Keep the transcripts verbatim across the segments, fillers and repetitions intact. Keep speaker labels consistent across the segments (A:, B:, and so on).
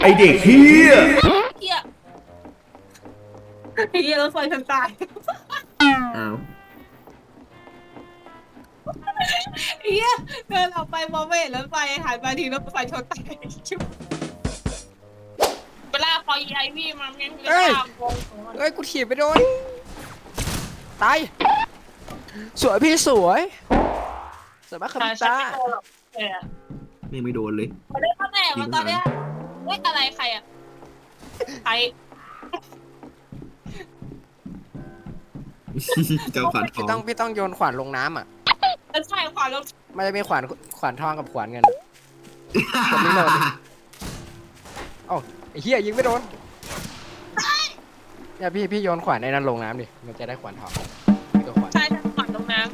A: ไอเด็กเฮีย
B: เฮียเฮียรถไฟฉันตาย
A: อ้าว
B: เฮียเดินออกไปมองไม่เห็นรถไฟหันมาทีรถไฟชนตายเวลาพอไอวี่มันยังเอ้ย
C: เอ้ยกูถีบไปโดนตายสวยพี่สวยสวยมากครับตา
A: ไม่ไม่โดนเลย
B: มาได้ข้างแม่มาตอนเนี้ยเฮ้ยอะไรใครอ่ะใคร
A: เจ้าขวานทอง
C: พี่ต้องพี่ต้องโยนขวานลงน้ำอ่ะ
B: ใช่ขวานลง
C: มันจะมีขวานขวานทองกับขวานเงินผมไม่โดนเอ้าไอ้เหี้ยยิงไม่โดนเนี่ยพี่พี่โยนขวานในนั้นลงน้ำดิมันจะได้ขวานทองตัวขวาน
B: ใช่ขวานลงน้ำ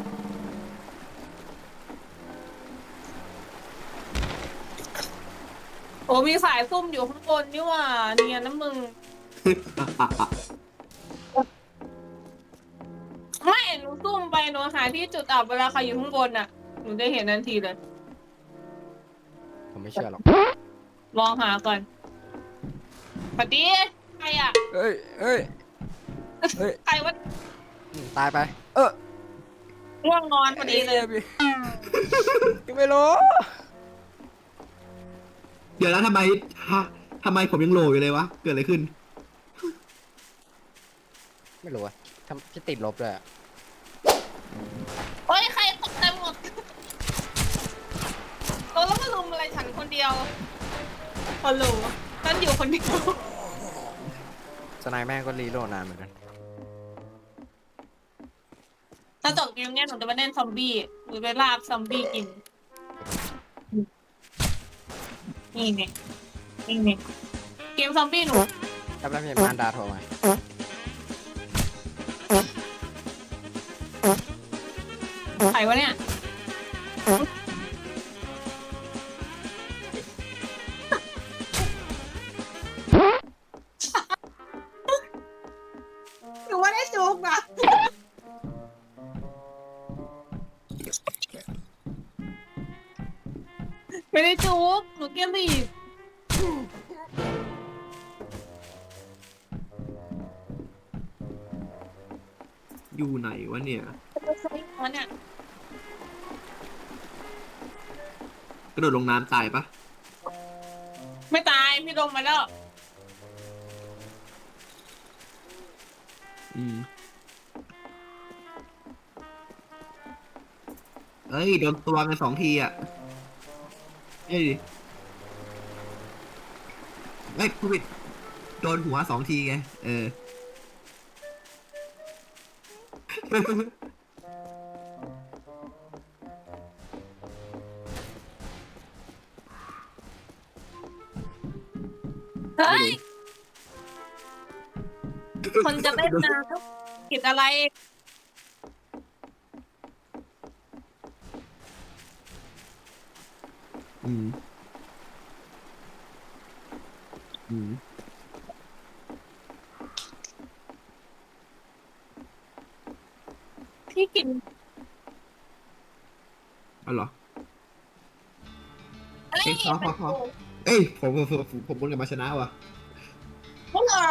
B: โอ้มีสายซุ่มอยู่ข้างบนนี่ว่าเนียนนะมึงไม่หนูซุ่มไปหนูหาที่จุดอับเวลาใครอยู่ข้างบนน่ะหนูได้เห็นทันทีเลย
C: ผมไม่เชื่อหรอก
B: ลองหาก่อนปฏิใครอ่ะ
C: เอ้ยเอ้ยเอ้ย
B: ใครวะ
C: ตายไปเออ
B: ง่วงนอนพอดีเลย
C: ยังไม่รู้
A: เดี๋ยวแล้วทำไมฮะทำไมผมยังโหลอยู่เลยวะเกิดอะไรขึ้น
C: ไม่รู้อะทำที่ติดลบเลยอะ
B: โอ้ยใครตกใจหมดเราแล้วมาลุมอะไรฉันคนเดียวคนหลูฉันอยู่คนเดียว
C: สไนแม่งก็รีโหลดนานเหมือนกัน
B: ถ้าจบเกมเนี้ยหนูจะมาเล่นซอมบี้หรือไปลาบซอมบี้กินนี่เนี่ยนี่เนี่ยเกมซอมบี้หนู
C: จำได้พี่มารดาโทรมา
B: ใครวะเนี่ยหนูว่าได้จุกนะไม่ได้จุกหนูเกมบี
A: อยู่ไหนวะเนี่ย
B: เนี่ย
A: กระโดดลงน้ำตายปะ
B: ไม่ตายพี่ลงมาแล้ว
A: อืมเอ้ยโดนตัวกันสองทีอ่ะเอ้ยเอ้ยผู้ผิดโดนหัวสองทีไงเออ
B: เฮ้ยคนจะเล่นน้ำผิดอะไร
A: อืมอืม
B: พี่กิน
A: อ๋อเหรอ
B: อะไร
A: เอ้ยพอพอพอเอ้ยผมผมผมผมบนกับมาชนะว่ะ
B: พวกเรา